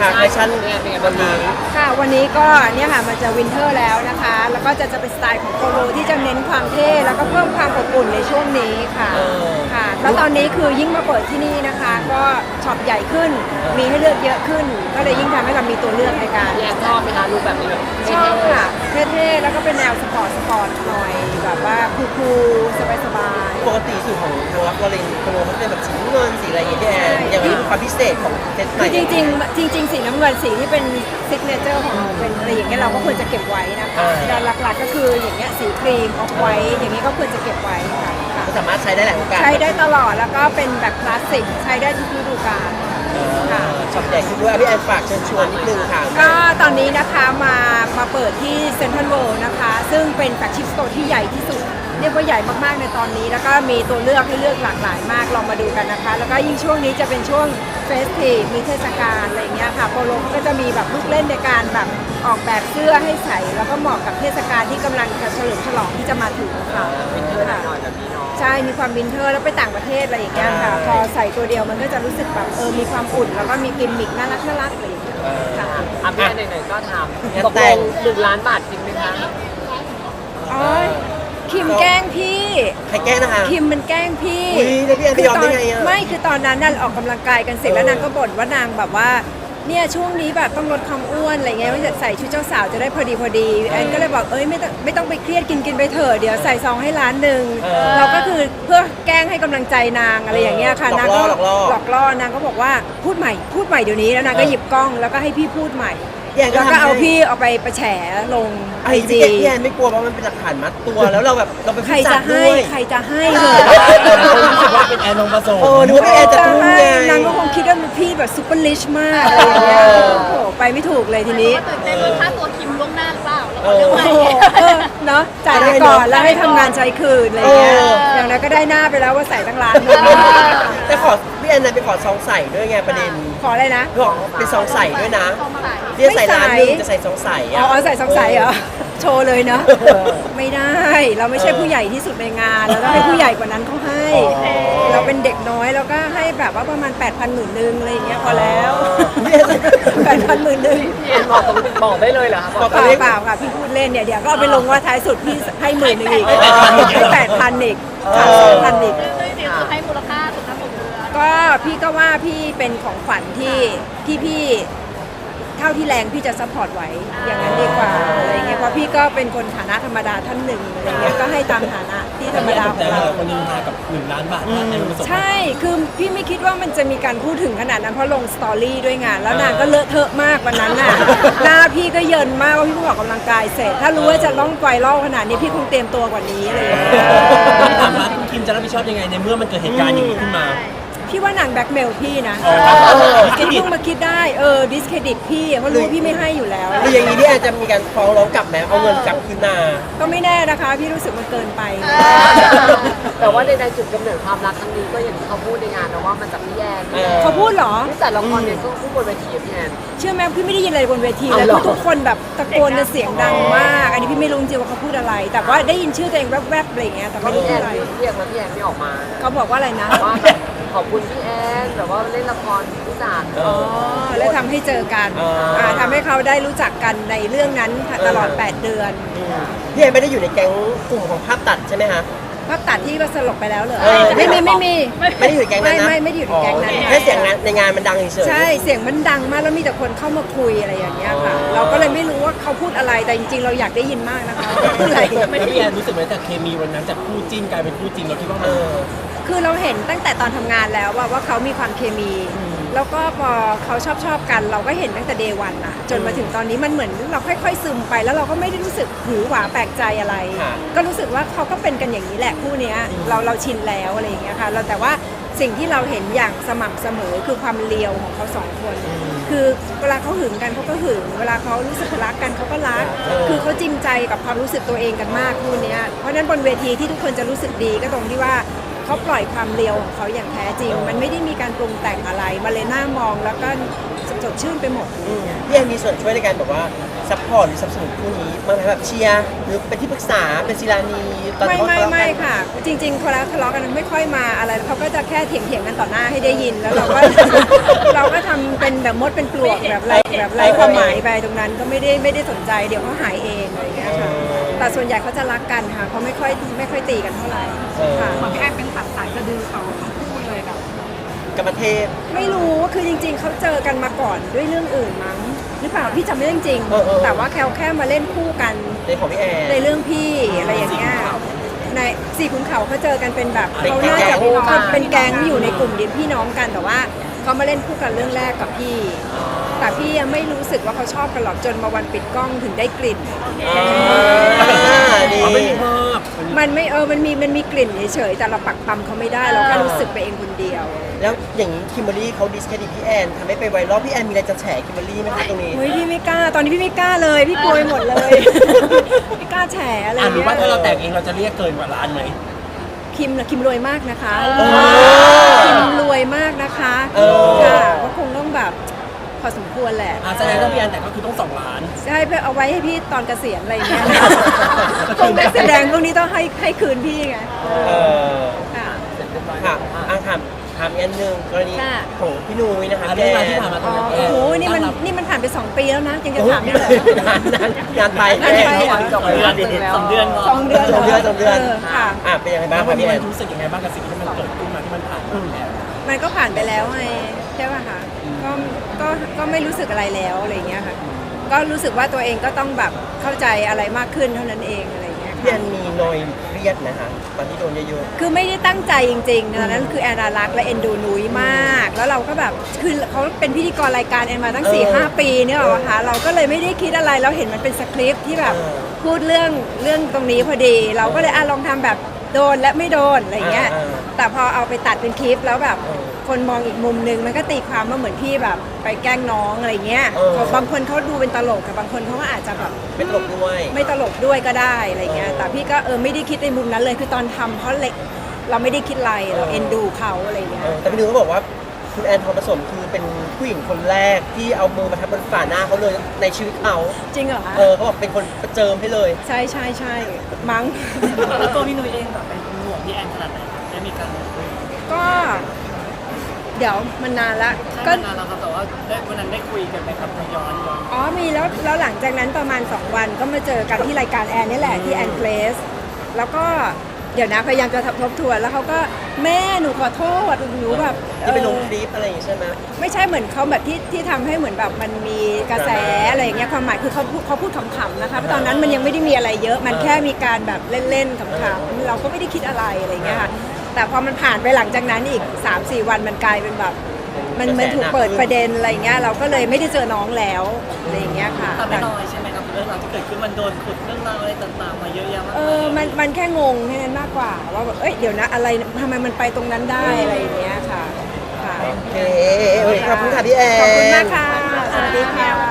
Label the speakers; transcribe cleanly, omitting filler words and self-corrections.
Speaker 1: คะแฟชั่นวันนี้
Speaker 2: ค่ะวันนี้ก็เนี่ยค่ะมันจะวินเทอร์แล้วนะคะแล้วก็จะเป็นสไตล์ของโปโลที่จะเน้นความเท่แล้วก็เพิ่มความอบอุ่นในช่วงนี้ค่ะค่ะแล้วตอนนี้คือยิ่งมาเปิดที่นี่นะคะก็ช็อปใหญ่ขึ้นมีให้เลือกเยอะขึ้นก็เลยยิ่งทำให้เรามีตัวเลือกในการ
Speaker 3: ชอบไหมคะรูปแบบนี้
Speaker 2: ชอบค่ะเท่ๆแล้วก็เป็นแนวสปอร์ตหน่อยแบบว่าคูลๆสบาย
Speaker 1: ปกติสูตรของทางรับวอลเลนโปโลเขาเป็นแบบสีเงินสีอะไรอย่างเงี้ยอย่างนี้เป็นความพิเศษของเซตใหม่
Speaker 2: จริงสีน้ำเงินสีที่เป็นซิกเนเจอร์ของเราเป็นอะไรอย่างเงี้ยเราก็ควรจะเก็บไว้นะคะแต่หลักๆก็คืออย่างเงี้ยสีครีมออกไว้อย่างนี้ก็ควรจะเก็บไว้ค่ะ
Speaker 1: สามารถใช้ได้หลายโอกาส
Speaker 2: ใช้ได้ตลอดแล้วก็เป็นแบบคลาสสิกใช้ได้ทุกฤดูกาลค่ะ
Speaker 1: ช็อปใหญ่ขึ้นด้วยพี่แอนฝากเชิญชวนนิดนึงค่ะ
Speaker 2: ก็ตอนนี้นะคะมาเปิดที่เซ็นทรัลเวิลด์นะคะซึ่งเป็นแฟลกชิพสโตร์ที่ใหญ่ที่สุดเรียกว่าใหญ่มากๆในตอนนี้แล้วก็มีตัวเลือกให้เลือกหลากหลายมากลองมาดูกันนะคะแล้วก็ยิ่งช่วงนี้จะเป็นช่วงเฟสทีฟมีเทศกาลอะไรเงี้ยค่ะโปโลก็จะมีแบบลูกเล่นในการแบบออกแบบเสื้อให้ใส่แล้วก็เหมาะกับเทศกาลที่กำลังจะเฉลิมฉลองที่จะมาถึงค่ะ
Speaker 3: วินเทอร์หน่อยแบบนี้เนาะ
Speaker 2: ใช่มีความวินเทอร์แล้วไปต่างประเทศอะไรอย่างเงี้ยค่ะพอใส่ตัวเดียวมันก็จะรู้สึกแบบมีความอุ่นแล้วก็มีกิมมิคน่ารักอะไรอย่างเงี้ยค่ะ
Speaker 3: พี่ไหนๆก็ทำตกลง1 ล้านบาทจริงไหมคะ
Speaker 2: อ๋อคิมแกล้งพี่
Speaker 1: ใครแกล้งนะคะ
Speaker 2: คิมมันแกล้งพี่
Speaker 1: แล้วพี่แอนไปยอมได้ไงอ่ะ
Speaker 2: ไม่คือตอนนั้นนั่นออกกำลังกายกันเสร็จแล้วนางก็บ่นว่านางแบบว่าเนี่ยช่วงนี้แบบต้องลดความอ้วนอะไรเงี้ยว่าจะใส่ชุดเจ้าสาวจะได้พอดีแอนก็เลยบอกไม่ต้องไปเครียดกินไปเถอะเดี๋ยวใส่ซองให้1 ล้านเราก็คือเพื่อแกล้งให้กำลังใจนางอะไรอย่างเงี้ยค่ะนางก็หลอกล่อนางก็บอกว่าพูดใหม่เดี๋ยวนี้แล้วนางก็หยิบกล้องแล้วก็ให้พี่พูดใหม่แล้วก็เอาพี่เอาไปแฉลงไอจี
Speaker 1: พี่แอนไม่กลัวเพราะมันเป็นหลักฐานมัดตัวแล้วเราเป็น
Speaker 2: ใครจะให้เหรอ
Speaker 4: รู้สึกว่าเป็นแอนนงผสม
Speaker 1: นึกว่าพี่แอนจะพูดไง
Speaker 2: นางก็คงคิดว่าพี่แบบซุปเปอร์ลิชมากอะไรอย่างเงี้ยโอ้ไปไม่ถูกเลยทีนี้
Speaker 5: ตื่นเต้นค่าตัวคิมล่วงหน้าหรือเปล่าแล้วเรื่องใหม่
Speaker 2: เนาะจ่ายไปก่อนแล้วให้ทำงานใช้คืนอะไรเงี้ยอย่างนั้นก็ได้หน้าไปแล้วว่าใส่ตั้งล้าน
Speaker 1: แต่ขอพี่แอนไปขอซองใส่ด้วยไงประเด็น
Speaker 2: ขออะไรนะ
Speaker 1: บอกเป็นซองใส่ด้วยนะเรียกใส่1 ล้านจะใส่ซองใส่
Speaker 2: อ๋อใส่ซองใส่เหรอโชว์เลยเนาะไม่ได้เราไม่ใช่ผู้ใหญ่ที่สุดในงานเราต้องให้ผู้ใหญ่กว่านั้นเขาให้เราเป็นเด็กน้อยเราก็ให้แบบว่าประมาณ 8,000 10,000 นึงอะไรอย่างเงี้ยพอแล้ว8,000 10,000 นึง
Speaker 3: พี่แอนบอกได้เลยเหรอคะ
Speaker 2: เปล่าค่ะพี่พูดเล่นเนี่ยเดี๋ยวก็เอาไปลงว่าท้ายสุดพี่ให้10,000 นึงอีกให้8,000 อีก2,000 อีก
Speaker 5: ให้มูลค่าสุดทั้งหมดเลย
Speaker 2: ก็พี่ก็ว่าพี่เป็นของขวัญที่พี่เท่าที่แรงพี่จะซัพพอร์ตไว้อย่างนั้นดีกว่าอะไรเงี้ยเพราะพี่ก็เป็นคนฐานะธรรมดาท่านหนึ่งอะไรเงี้ยก็ให้ตามฐานะที่ธรรมดาของเรา
Speaker 4: คนนึงมากับ1 ล้านบาท
Speaker 2: ใช่คือพี่ไม่คิดว่ามันจะมีการพูดถึงขนาดนั้นเพราะลงสตอรี่ด้วยงานแล้วนางก็เลอะเทอะมากวันนั้นน่ะหน้าพี่ก็เยินมากว่าพี่เพิ่งออกกำลังกายเสร็จถ้ารู้ว่าจะต้องไวรัลขนาดนี้พี่คงเตรียมตัวกว่านี้อะไรอย่างเงี้ย
Speaker 4: ถามว่าคุณคิมจะรับผิดชอบยังไงในเมื่อมันเกิดเหตุการณ์อย่างนี้ขึ้นมา
Speaker 2: พี่ว่านางแบ็กเมลพี่นะเพิ่งมาคิดได้ดิสเครดิตพี่เพราะรู้พี่ไม่ให้อยู่แล้ว
Speaker 1: หรืออย่างนี้พี่แอนจะมีการฟ้องร้องกลับไหมเอาเงินกลับคืนมา
Speaker 2: ก็ไม่แน่นะคะพี่รู้สึกมันเกินไป
Speaker 3: แต่ว่าในจุดกำเนิดความรักครั้งนี้ก็อย่างที่เขาพูดในงานนะว่ามันจะไม่แย่
Speaker 2: เขาพูดเหรอ
Speaker 3: ที่จัดละครเนี่ยก็พูดบนเวทีพี่แอน
Speaker 2: เชื่อไหมพี่ไม่ได้ยินอะไรบนเวทีเลยทุกคนแบบตะโกนเสียงดังมากอันนี้พี่ไม่รู้จริงว่าเขาพูดอะไร แต่ว่าได้ยินชื่อตัวเองแวบๆอะไรอย่างเงี้ยแต่ไม่รู้อะไร
Speaker 3: เรียกมาพี่แอนไม่ออกมา
Speaker 2: เขาบอกว่าอะไรนะ
Speaker 3: ว่าขอบคุณพี่แอนแบบว่าเล่นละครผู้จัด
Speaker 2: แล้วทำให้เจอกันทำให้เขาได้รู้จักกันในเรื่องนั้นตลอด8 เดือน
Speaker 1: พี่แอนไม่ได้อยู่ในแก๊งกลุ่มของภาพตัดใช่ไหมคะ
Speaker 2: ภาพตัดที่ก็สลบไปแล้วเหรอไม่
Speaker 1: ได้อยู่ในแก๊งนั้นนะ
Speaker 2: ไม่ได้อยู่ในแก๊งนั้น
Speaker 1: แค่เสียงในงานมันดังเฉย
Speaker 2: ใช่เสียงมันดังมากแล้วมีแต่คนเข้ามาคุยอะไรอย่างเงี้ยค่ะเราก็เลยไม่รู้ว่าเขาพูดอะไรแต่จริงๆเราอยากได้ยินมากนะคะพูดอะไร
Speaker 4: พี่แอนรู้สึกไหมจากเคมีวันนั้นจากคู่จิ้นกลายเป็นคู่จริงเราคิดว่า
Speaker 2: คือเราเห็นตั้งแต่ตอนทำงานแล้วว่าเขามีความเคมีแล้วก็พอเขาชอบกันเราก็เห็นตั้งแต่เดย์วันอะจนมาถึงตอนนี้มันเหมือนเราค่อยๆซึมไปแล้วเราก็ไม่ได้รู้สึกหือหวาแปลกใจอะไรก็รู้สึกว่าเขาก็เป็นกันอย่างนี้แหละคู่นี้เราชินแล้วอะไรอย่างเงี้ยค่ะเราแต่ว่าสิ่งที่เราเห็นอย่างสม่ำเสมอคือความเลียวของเขา2 คนคือเวลาเขาหึงกันเขาก็หึงเวลาเขารู้สึกรักกันเขาก็รักคือเขาจริงใจกับความรู้สึกตัวเองกันมากคู่นี้เพราะฉะนั้นบนเวทีที่ทุกคนจะรู้สึกดีก็ตรงที่ว่าเขาปล่อยความเลียวของเขาอย่างแท้จริงมันไม่ได้มีการปรุงแต่งอะไรมาเลยหน้ามองแล้วก็สดชื่นไปหมด
Speaker 1: พี่แอนมีส่วนช่วยในการแบบว่าซัพพอร์ตหรือสนับสนุนคู่นี้บ้างไหมแบบเชียร์หรือเป็นที่ปรึกษาเป็นศิลานีตอน
Speaker 2: ไม่
Speaker 1: เขาทะเลาะ
Speaker 2: ไม่
Speaker 1: กัน
Speaker 2: ค่ะ จริงๆคนละทะเลาะกันไม่ค่อยมาอะไรเขาก็จะแค่เถียงกันต่อหน้าให้ได้ยินแล้วเราก็ เราก็ทำเป็นแบบมดเป็นปลวกแบบไร้ความหมายไปตรงนั้นก็ไม่ได้สนใจเดี๋ยวเขาหายเองอะไรอย่างเงี้ยค่ะแต่ส่วนใหญ่เขาจะรักกันค่ะเขาไม่ค่อยตีกันเท่าไหร่ค่ะ
Speaker 5: เหมือนพี่แอนเป็นตัดสายสะดือเขาทั้งคู่เลยแบบ
Speaker 1: กรรมเทพ
Speaker 2: ไม่รู้คือจริง ๆเขาเจอกันมาก่อนด้วยเรื่องอื่นมั้งหรือเปล่าพี่จำไม่ได้จริง
Speaker 1: เออ
Speaker 2: แต่ว่าแค่มาเล่นคู่กัน
Speaker 1: ในของพี่แอน
Speaker 2: ในเรื่องพี่อะไรอย่างเงี้ยในสี่ขุนเขาเขาเจอกันเป็นแบบ
Speaker 1: เป็น
Speaker 2: เขาน่า
Speaker 1: แก๊
Speaker 2: จะ
Speaker 1: ง
Speaker 2: เขาเป็นแก๊งอยู่ในกลุ่มเดียวพี่น้องกันแต่ว่าเขามาเล่นคู่กันเรื่องแรกกับพี่ แต่พี่ยังไม่รู้สึกว่าเขาชอบกันหรอกจนมาวันปิดกล้องถึงได้กลิ่น
Speaker 1: ดี
Speaker 4: อ๋อไม่มีเพิ่ม
Speaker 2: มันไม่มันมีกลิ่นเฉยๆแต่เราปักปั๊มเขาไม่ได้เราแค่รู้สึกไปเองคนเดียว
Speaker 1: แล้วอย่างนี้คิมเบอรรี่เขาดิสเครดิตพี่แอนทำให้ไปไวรัลพี่แอนมีอะไรจะแฉคิมเบอรรี่ไหมคะตรงนี้
Speaker 2: เฮ้ยพี่ไม่กล้าตอนนี้พี่ไม่กล้าเลยพี่กลัวไปหมดเลย ไม่กล้าแฉอะไร
Speaker 4: หรือ
Speaker 2: เงี้ย
Speaker 4: ว่าถ้าเราแต่งเองเราจะเรียกเกินกว่าล้านไหม
Speaker 2: คิมรวยมากนะคะ
Speaker 1: อ
Speaker 2: คิมรวยมากนะคะ
Speaker 1: เออ
Speaker 2: ค่ะก็คงต้องแบบพอสมควรแหละ
Speaker 4: แสดงว่าพี่แอนแต่งก็คือต้อง2 ล้าน
Speaker 2: ใช่เพื่อเอาไว้ให้พี่ตอนเกษียณอะไรอย่างเงี้ยพวกนักแสดงพวกนี้ต้องให้คืนพี่ไง
Speaker 1: เออ
Speaker 2: ค่ะ
Speaker 1: ค่ะถามอีกอันหนึ่งกรณี
Speaker 2: ค่ะ
Speaker 1: ของพี่นุ้ยนะคะ
Speaker 4: เรื่องราวที่ผ่านมาต
Speaker 2: อ๋
Speaker 4: อ
Speaker 2: อน
Speaker 4: นั้น
Speaker 2: โอ้โหนี่มันผ่านไป2 ปีแล้วนะยังจะถามอีกเหรอ
Speaker 1: งานไป
Speaker 2: งานไปเหรอ
Speaker 3: 2 เดือน
Speaker 2: 2 เดือน
Speaker 1: สองเดือน
Speaker 2: ค่ะ
Speaker 1: เป็นยังไงบ้า
Speaker 4: แล้
Speaker 1: ง
Speaker 4: ว
Speaker 1: ค
Speaker 4: วั
Speaker 1: รั
Speaker 4: น
Speaker 1: บ
Speaker 4: นี้
Speaker 1: พี่แอ
Speaker 4: มัน
Speaker 1: น
Speaker 4: รู้สึกยังไงบ้างกับสิ่งที่มันเกิดขึ้นมาที่มันผ่านมาแล้ว
Speaker 2: มันก็ผ่านไปแล้วไงใช่ป่ะคะก็ไม่รู้สึกอะไรแล้วอะไรอย่างเงี้ยค่ะก็รู้สึกว่าตัวเองก็ต้องแบบเข้าใจอะไรมากขึ้นเท่านั้นเองอะไรอย่างเงี้ย
Speaker 1: พี่แอ
Speaker 2: ค่ะ
Speaker 1: นมีนอยเครียดนะคะตอนที่โดนเยอะ
Speaker 2: คือไม่ได้ตั้งใจจริงๆตอนนั้นคือแอนนารักและเอ็นดูนุ้ยมาก แล้วเราก็แบบคือเขาเป็นพิธีกรรายการแอนมาตั้ง 4-5 ปีเนี่ยหรอคะเราก็เลยไม่ได้คิดอะไรเราเห็นมันเป็นสคริปต์ที่แบบพูดเรื่องตรงนี้พอดี เราก็เลยลองทำแบบโดนและไม่โดนอะไรอย่างเงี้ยแต่พอเอาไปตัดเป็นคลิปแล้วแบบคนมองอีกมุมนึงมันก็ตีความว่าเหมือนพี่แบบไปแกล้งน้องอะไรเงี้ยบางคนเขาดูเป็นตลกแต่บางคนเขาก็อาจจะแบบ
Speaker 1: ๆไม่ตลกด้วย
Speaker 2: ไม่ตลกด้วยก็ได้อะไรเงี้ย แต่พี่ก็ไม่ได้คิดในมุมนั้นเลย คือตอนทำเพราะเล็กเราไม่ได้คิดอะไร เราเอ็นดูเขาอะไรเงี้ย
Speaker 1: แต่พี่นุ้ยก็บอกว่าคุณแอนทองผสมคือเป็นผู้หญิงคนแรกที่เอามือมาทับบนฝ่าหน้าเขาเลยในชีวิตเขา
Speaker 2: จริงเหรอคะ
Speaker 1: เขาบอกเป็นคนประเจิมให้เลย
Speaker 2: ใช่ใช่ใช่มั้ง
Speaker 6: แล้วตัวพี่นุ้ยเองแบบเป็นห่วงพี่แอนขนาดไหนครับได้มีการคุย
Speaker 2: ก็ เดี๋ยวมันนานละ
Speaker 6: ก็
Speaker 2: ก็
Speaker 6: นานแล้วครับแต่ว่าวันนั้นได้คุยกันไหมครับย้อน
Speaker 2: อ๋อมีแล้วหลังจากนั้นประมาณ 2 วันก็มาเจอกันที่รายการแอนนี่แหละที่แอนเพลสแล้วก็เดี๋ยวนะพยายามจะทบทวนแล้วเขาก็แม่หนูขอโทษหนูแบบ
Speaker 1: ที่ไปลงคลิปอะไรอย่างงี้ใช่ไหม
Speaker 2: ไม่ใช่เหมือนเขาแบบที่ทำให้เหมือนแบบมันมีกระแสอะไรอย่างเงี้ยความหมายคือเขาพูดขำๆนะคะเพราะตอนนั้นมันยังไม่ได้มีอะไรเยอะ มันแค่มีการแบบเล่นๆขำๆเราก็ไม่ได้คิดอะไรอะไรอย่างเงี้ยค่ะแต่พอมันผ่านไปหลังจากนั้นอีก 3-4 วันมันกลายเป็นแบบมันถูกเปิดประเด็นอะไรเงี้ยเราก็เลยไม่ได้เจอน้องแล้วอะไรอย่างเงี้ยค่ะ
Speaker 6: ๆแต่ไม่น้อยใช่ไหมครับเรื่องราวที่เกิดขึ้นมันโดนขุดเรื่องราวอะไรต่างๆมาเยอะแยะมากมาย
Speaker 2: มันแค่งงแค่นั้นมากกว่าว่าแบบเดี๋ยวนะอะไรทำไมมันไปตรงนั้นได้อะไรอย่างเงี้ยค่ะค่ะ
Speaker 1: โอเคขอบคุณค่ะพี่แอน
Speaker 2: ขอบคุณมากค่ะสวัสดีค่ะ